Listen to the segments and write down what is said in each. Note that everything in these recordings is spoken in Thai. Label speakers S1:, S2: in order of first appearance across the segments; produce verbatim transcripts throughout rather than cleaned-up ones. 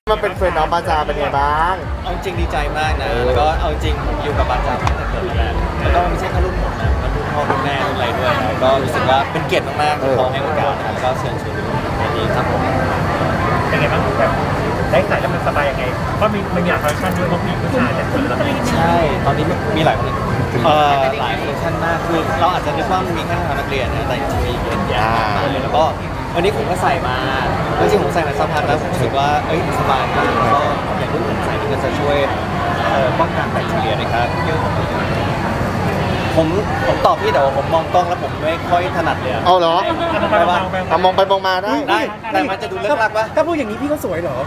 S1: มาเป็นเฟรนด์น้องบาจาเป็นไงบ้าง
S2: เอาจริงดีใจมากนะแล้วก็เอาจริงผมอยู่กับบาจามาตั้งแต่เกิดแล้วแล้วก็ไม่ใช่แค่รุ่นผมนะมันรุ่นพ่อรุ่นแม่รุ่นอะไรด้วยนะก็รู้สึกว่าเป็นเกียรติมากๆที่เขาให้โอกาสนะแล้วก็เชิญชวนในนี้ครับผม
S3: เป็นไงบ้างแบบได้ใส่แล้วมันสบายยังไงเพราะมีมันมีหลายคอลเลคชันด้วยเพราะมีผู้ชายแต่คนละแบบ
S2: ใช่ตอนนี้มีหลายคนเอ่อหลายคอลเลคชันมากคือเราอาจจะนึกว่ามันมีแค่ทางนักเรียนนะแต่จริงๆมีเยอะแยะมากเลยแล้วก็วันนี้ผมก็ใส่มาจริงๆผมใส่มาสักพักแล้วผมรู้สึกว่าเอ้ยสบายมากแล้วก็อย่างรุ่นผมใส่นี่ก็จะช่วยป้องกันแบคทีเรียนะครับผมผมตอบพี่แต่ว่าผมมองกล้องแล้วผมไม่ค่อยถนัดเลย
S1: เอาเหรอ
S3: ไปบ้าง
S1: เอามองไปมองมาได้
S2: ได้แต่มันจะดูเลิกลักปะ
S4: ถ้าพูดอย่างนี้พี่ก็สวยเหรอ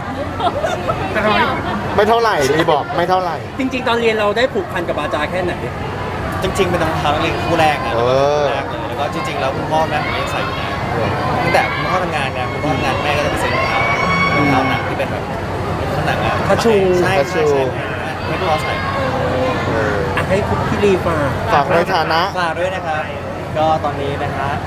S1: ไม่เท่าไหร่ดีบอกไม่เท่าไหร่
S4: จริงๆตอนเรียนเราได้ผูกพันกับบาจาแค่ไหน
S2: จริงๆเป็นรองเท้านักเรียนคู่แรกนะแรกเลยแล้วก็จริงๆแล้วคุณพ่อแม่ผมยังใส่อยู่นะตั้งแต่คุณพ่อทำงานเนี่ยคุณพ่อทำงานแม่ก็จะไปซื้อรองเท้ารองเท้าหนังที่เป็นแบบข้างหนังอะ
S4: คาชู
S2: ใช่ใช่ใช่ให้พ่อใส่
S4: ให้คุณพี่รีฝาก
S1: ฝากในฐานะ
S2: ฝากด้วยนะครับก็ตอนนี้นะฮะ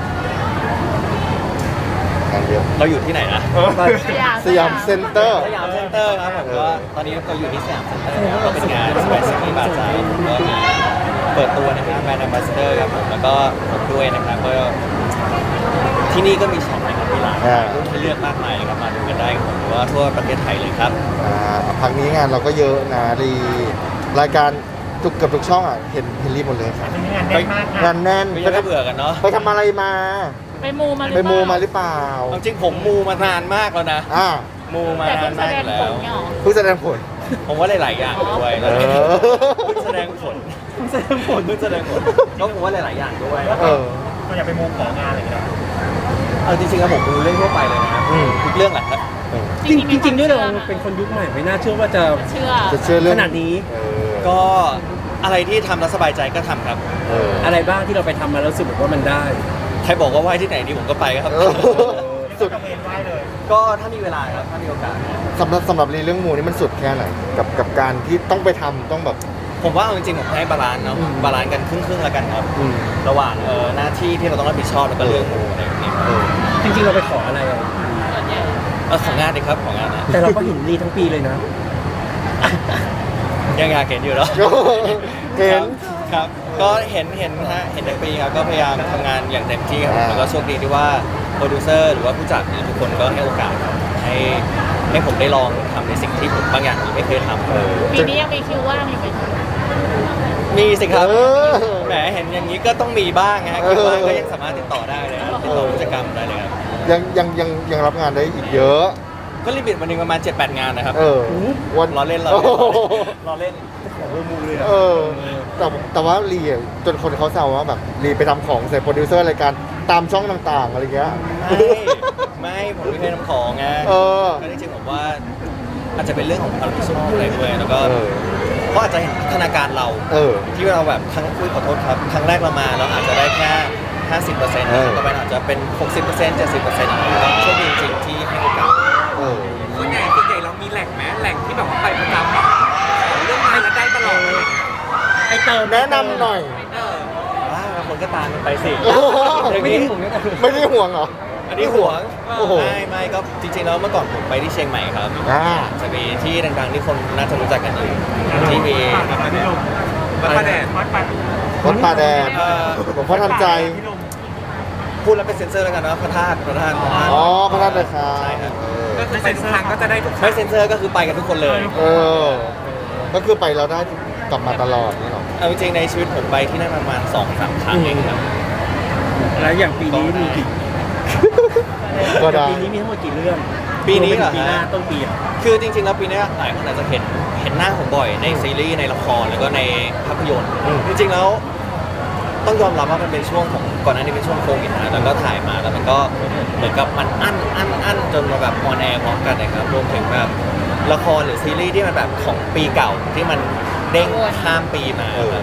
S1: เยอะ
S2: เราอยู่ที่ไหนนะ
S1: สยามเซ็นเตอร์
S2: สยามเซ็นเตอร์ครับผมก็ตอนนี้เราอยู่ที่สยามเซ็นเตอร์ครับก็เป็นงานสไปซ์ซีบาร์ไซด์ก็มีเปิดตัวนะครับแบรนด์แอมบาสเดอร์ครับผมแล้วก็ผมด้วยนะครับก็ที่นี่ก็มีช็อปนะครับมีร้านรุ่นให้เลือกมากมายเลยครับมาดูกันได้ผมว่าทั่วประเทศไทยเลยครับ
S1: อ่าพักนี้งานเราก็เยอะนะรีรายการทุกเกือบทุกช่องอ่ะเห็นเฮนรี่หมดเลยครับ
S3: งานแน่นมาก
S1: งานแน่น
S2: ไม่ได้เบื่อกันเนาะ
S1: ไปทำอะไรมา
S5: ไปมูมา
S1: ไปมูมาหรือเปล่า
S2: จริงผมมูมานานมากแล้วนะ
S1: อ่า
S2: มูมานานมากแล้ว
S1: เพิ่งแสดงผล
S2: ผมว่าหลายๆอย่างด้วยเพิ่งแสดงผล
S4: เพิ่งแสดงผล
S2: เพิ่งแสดงผลก็ผมว่าหลายๆอย่างด้วย
S1: เออ
S3: ก็อยากไปมูของานอะไรกัน
S2: เอาจริงๆแล้วผมดูเรื่องทั่วไปเลยนะทุกเรื่องแหละครับ
S4: จริงจริงด้วยเราเป็นคนยุคใหม่ไม่น่าเชื่อว่าจะ
S5: เชื่อ
S1: จะเชื่อเรื่อง
S4: ขนาดนี้
S2: ก็อะไรที่ทำแล้วสบายใจก็ทำครับ
S4: อะไรบ้างที่เราไปทำมาแล้วรู้สึกว่ามันได้
S2: ใครบอกว่าไหว้ที่ไหนดีผมก็ไปครับ
S3: สุดเห็นไหว้เลย
S2: ก็ถ้ามีเวลาครับถ้ามีโอกาส
S1: สำหรับสำหรับเรื่องมูนี่มันสุดแค่ไหนกับกับการที่ต้องไปทำต้องแบบ
S2: ผมว่าจริงๆผมให้บาลานซ์เนาะบาลานซ์กันครึ่งๆแล้วกันครับระหว่างเออหน้าที่ที่เราต้องรับผิดชอบแล้วก็เรื่องมูอะไรอย่างเงี้ย
S4: จริงๆเราไปขออะไรอ่ะ
S2: เออของงานดีครับของงานนะ
S4: แต่เราก็เห็นรีทั้งปีเลยนะ
S2: ยังงานเห็นอยู่แล้ว
S1: เห็น
S2: ครับก็เห็นเห็นฮะเห็นในปีครับก็พยายามทำงานอย่างเต็มที่ครับแล้วก็โชคดีที่ว่าโปรดิวเซอร์หรือว่าผู้จัดทุกคนก็ให้โอกาสให้ให้ผมได้ลองทำในสิ่งที่ผมบางอย่างไม่เคยทำ
S5: ปีนี้ยังมีคิวว่างอยู่ไหม
S2: มีสิครับแหมเห็นอย่างนี้ก็ต้องมีบ้างฮะคิวว่างก็ยังสามารถติดต่อได้เลยติดต่อผู้จัดการได้เลยครับ
S1: ยังยังยังยังรับงานได้อีกเยอะ
S2: ก็ลิมิตวันนึงประมาณ เจ็ดแปด งานนะครับ
S1: เออ
S2: วันรอเล่นรอเล่นรอเล่น
S4: ของเบอร์มูเลย
S1: เออแต่แต่ว่ารีจนคนเขาแซวว่าแบบรีไปทำของใส่โปรดิวเซอร์รายการตามช่องต่างๆอะไรเงี้ย
S2: ไม่ผมไม่เคยทำของไงก็จริงๆผมว่าอาจจะเป็นเรื่องของความรู้สึกอะไรด้วยแล้วก็ก็อาจจะเห็นพัฒนาการเราที่เราแบบครั้งคุยขอโทษครับครั้งแรกเรามาเราอาจจะได้แค่ห้าสิบเปอร์เซ็นต์ต่อไปอาจจะเป็นหกสิบเปอร์เซ็นต์เจ็ดสิบเปอร์เซ็นต์โชคดีจริงๆที่ให้โอกาส
S3: ส่วนใหญ่ส่วนใหญ่เรามีแหล่งแม้แหล่งที่แบบว่าไปประจำแบบเรื่องงานแล้วได้ตลอด
S4: ไอเติม
S1: แนะนำหน่อย
S2: ว้าวคนก็ตามไปสิ
S1: ไม่ได้ห่วงไม่ได้ห่วงเหรอ
S2: อันนี้ห่วงไม่ไม่ก็จริงๆแล้วเมื่อก่อนผมไปที่เชียงใหม่ครับจะมีที่ดังๆที่คนน่าจะรู้จักกันอยู่ที่มี
S3: วัดป่าแดดวัดป่า
S1: วัดป่าแดดหลวงพ่อทันใจ
S2: พูดแล้วเป็นเซ็นเซอร์แล้วกันนะพระธาตุพระธาตุ
S1: อ๋อพระธาตุเลยครับ
S2: ใช่ครับ
S3: ก็คือไปทุกครั้งก็จะได้ทุก
S2: ไม่เซ็นเซอร์ก็คือไปกันทุกคนเลย
S1: เออก็คือไปแล้วได้กลับมาตลอดนี่หรอ
S2: เอาจริงในชีวิตผมไปที่นั่นประมาณสองสามครั้งเองครับ
S4: แล้วอย่างปีนี้มีกี่
S1: ก็ได้
S4: ปีนี้มีทั้งหมดกี่เรื่อง
S2: ปีนี้เหรอ
S4: ปีหน้าต้นปีอ่ะ
S2: คือจริงๆแล้วปีนี้หลายคนอาจจะเห็นเห็นหน้าผมบ่อยในซีรีส์ในละครแล้วก็ในภาพยนตร์จริงๆแล้วต้องยอมรับว่ามันเป็นช่วงของก่อนหน้านี้เป็นช่วงโควิดนะแล้วก็ถ่ายมาแล้วมันก็เหมือนกับมันอั้นอั้นอั้นจนมาแบบออนแอร์พร้อมกันนะครับรวมถึงแบบละครหรือซีรีส์ที่มันแบบของปีเก่าที่มันเด้งข้ามปีมาครับ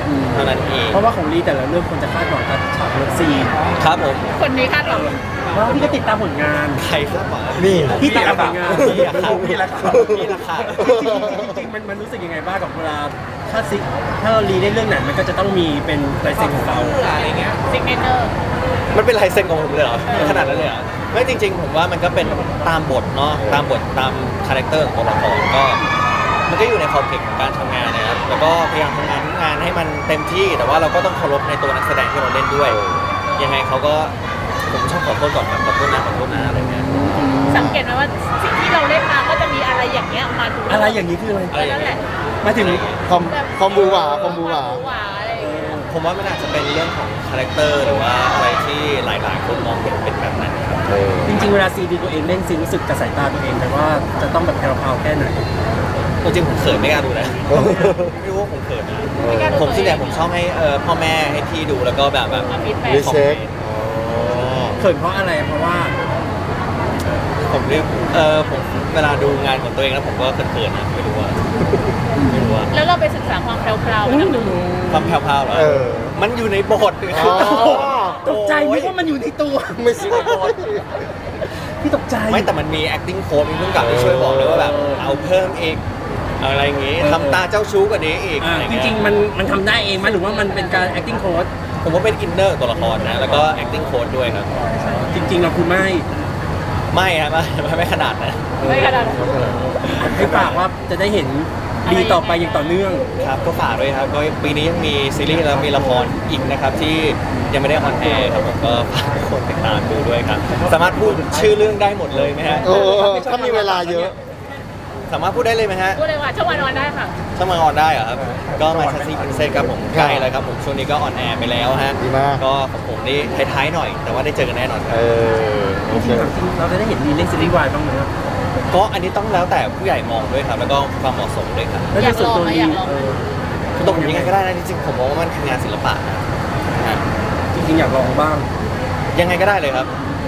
S2: เท่านั้นเอง
S4: เพราะว่าของลีแต่ละเรื่องคนจะคาดหวังกับฉากเลิฟซีน
S2: ครับผม
S5: คนนี้คาดหวัง
S4: ว่าพี่ก็ติดตามผลงาน
S2: ใครคาดหวัง
S1: นี่
S4: พี่ตามผลงาน
S2: พี่อะครับพี่ละครับพี่ละครับ
S4: จริงๆมันมันรู้สึกยังไงบ้างกับเวลาถ้าซิถ้าเรารีได้เรื่องไหนมันก็จะต้องมีเป็นลายเซ็นของเรา
S2: อะไรเงี้ย
S5: ซิกเนเจอร์
S2: มันเป็นลายเซ็นของผมเลยเหรอขนาดนั้นเลยเหรอไม่จริง ๆ ผมว่ามันก็เป็นตามบทเนาะตามบทตามคาแรคเตอร์ของตัวละครก็ มันก็อยู่ในขอบเขตของการทำงานนะครับแล้วก็พยายามทำงานงานให้มันเต็มที่ แต่ว่าเราก็ต้องเคารพในตัวนักแสดงที่เราเล่นด้วย ยังไงเขาก็ผมชอบขอโทษก่อนครับขอโทษนะขอโทษนะอะไรเงี้ย
S5: สังเกตไหมว่าสิ่งที่เราเล่นมาก็จะมีอะไรอย่างเงี้ยมาทุก
S4: อะไรอย่างนี้คืออะไร
S2: อะไรอ
S5: นั่
S2: ย่าง
S5: นแห
S2: เงี้
S5: ละ
S2: ย
S4: มาถึง
S1: คอมคอมบูหวาคอมบูหวา
S5: หวาอะไรอย่างเงี้ย
S2: ผมว่ามันอาจจะเป็นเรื่องของคาแรคเตอร์หรือว่าอะไรที่หลาย ๆ คนมองเป็นเป็นแบบนั้นครับ
S1: เออ
S4: จริงๆเวลาซีดีตัวเองเล่นซีรู้สึกกับสายตาตัวเองแต่ว่าจะต้องแบบแพรวๆแค่ไหน
S2: จริงๆผมเขินไม่กล้าดูนะไม่รู้ว่าผมเขินนะ
S5: ไม่กล้าดู
S2: ผม
S5: ตัว
S2: ส่วนใหญ่
S5: เอง
S2: ผมชอบให้เอ่อพ่อแม่ให้พี่ดูแล้วก็แบบแบบ
S5: มาฟีดแบ็
S1: รี
S5: ก
S1: เช็ค
S4: เขินเพราะอะไรเพราะว่า
S2: ผมเรียกเออผมเวลาดูงานของตัวเองแล้วผมก็เขินๆนะไม่รู้ว่าไม่รู้ว่า
S5: แล้วเราไปศึกษาความแพรวๆมาดู
S2: ความแผ่วๆเหรอ
S1: เออ
S2: มันอยู่ในบท
S1: อ๋อ
S4: ตกใจนึกว่ามันอยู่ในตัว
S1: ไม่ใช่
S4: พี่ตกใจ
S2: ไม่แต่มันมี acting coach มีผู้กำกับที่ช่วยบอกเลยว่าแบบเอาเพิ่มอีกอะไรอย่างงี้
S4: เออ
S2: ทำตาเจ้าชู้กว่านี้อีก
S4: อ่า
S2: อะไร
S4: จ
S2: เงี้ย
S4: ริงๆมันมันทำได้เองไหมหรือว่ามันเป็นการ acting coach
S2: ผมว่าเป็นอินเนอร์ตัวละครนะแล้วก็ acting coach ด้วยครับ
S4: จริง ๆ เราคือไม่
S2: ไม่ฮะไม่ไม่ไม่ขนาดนะ
S5: ไม่ขนาดนั้น
S4: ให้ฝากว่าจะได้เห็นดีต่อไปอย่างต่อเนื่อง
S2: ครับก็ฝากด้วยครับก็ปีนี้ยังมีซีรีส์แล้วมีละครอีกนะครับที่ยังไม่ได้ออนแอร์ครับผมก็ฝากทุกคนติดตามดูด้วยครับ สามารถพูดชื่อเรื่องได้หมดเลยไหมฮะ
S1: เออถ้ามีเวลาเยอะ
S2: สามารถพูดได้เลยไหมฮะ
S5: พูดเลยว่าช่วงวันนอนได้ค่ะ
S2: ช่องมาออนได้เหรอครับ ก็มาชัสซี่พินเซครับผมใกล้แล้วครับผมช่วงนี้ก็ออนแอร์ไปแล้วฮะ
S1: ดีมาก
S2: ก็ของผมนี่ท้ายๆหน่อย แต่ว่าได้เจอกันแน่นอนค
S1: เอ
S2: รับ
S1: อโอเค
S4: เราจะได้เห็นมีเล่นซีรีส์วายบ้างไหมครับ
S2: ก็อันนี้ต้องแล้วแต่ผู้ใหญ่มองด้วยครับ แล้วก็ความเหมาะสมด้วยครับ
S4: แล้วในส่วนตัว
S5: อยากลองไหม
S4: ลี
S5: อยากลอง
S4: เออ
S2: คือตัวผมยังไงก็ได้นะจริงๆผมมองว่ามันคืองานศิลปะนะฮะ
S4: จริงๆอยากลองบ้าง
S2: ยังไงก็ได้เลยครับ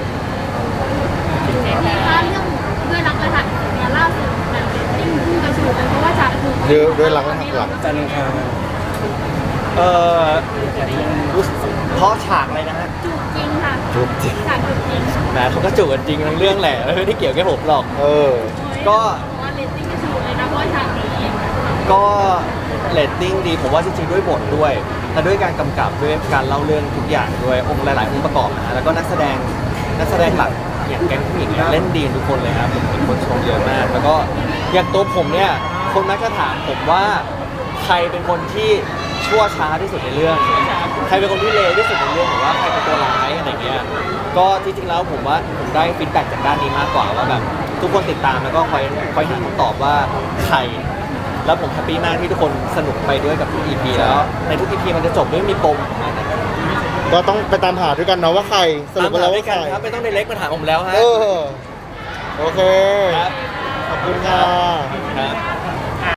S6: ถ้าเรื่องด้วยรักและหักเนี่ยล่าสุดแบบยิ่งพุ่งกระฉูดเลยเพราะว่าจากถูก
S1: ด้วยด้วยรักและหักหลัง
S4: จันทร์อังคาร
S2: เอ่อรู้สึกเพราะฉากอะไรนะฮะ
S6: จูบจริงค่ะ
S1: จุบจริง
S6: ฉากจูบจริง
S2: แหมเขาก็จูบกันจริงทั้งเรื่องแหละไม่ได้เกี่ยวแค่ผมหรอก
S1: เออ
S2: ก็
S6: เพราะว่าเลตติ้งกระฉูดเลยนะเพราะว่าฉากนี้
S2: ก็เรตติ้งดีผมว่าจริงๆด้วยบทด้วยและด้วยการกำกับด้วยการเล่าเรื่องทุกอย่างด้วยองค์หลายๆองค์ประกอบนะฮะแล้วก็นักแสดงนักแสดงหลักอย่างแก๊งผู้หญิงเนี่ยเล่นดีทุกคนเลยครับผมเป็นคนชมเยอะมาก แล้วก็อย่างตัวผมเนี่ยคนมักจะถามผมว่าใครเป็นคนที่ชั่วช้าที่สุดในเรื่อง ใครเป็นคนที่เลวที่สุดในเรื่องหรือว่าใครเป็นตัวร้ายอะไรเงี้ยก็จริงๆแล้วผมว่าผมได้ฟีดแบ็กจากด้านนี้มากกว่าว่าแบบทุกคนติดตามแล้วก็คอยคอยหาคำตอบว่าใคร แล้วผมแฮปปี้มากที่ทุกคนสนุกไปด้วยกับทุก อี พี แล้วในทุก อี พี มันจะจบด้วยมีปมของมันนะครับ
S1: ก็ต้องไปตามหาด้วยกันเนาะว่าใครสรุ
S2: ตา
S1: ป
S2: ม
S1: กัน
S2: หา
S1: แล้ว
S2: ด้ว
S1: ว่าย ใค
S2: กัน
S1: ร
S2: ครับไม่ต้องในเล็กมาถามผมแล้วฮะ
S1: เออ โอเค
S2: ครับ
S1: ขอบคุณครับ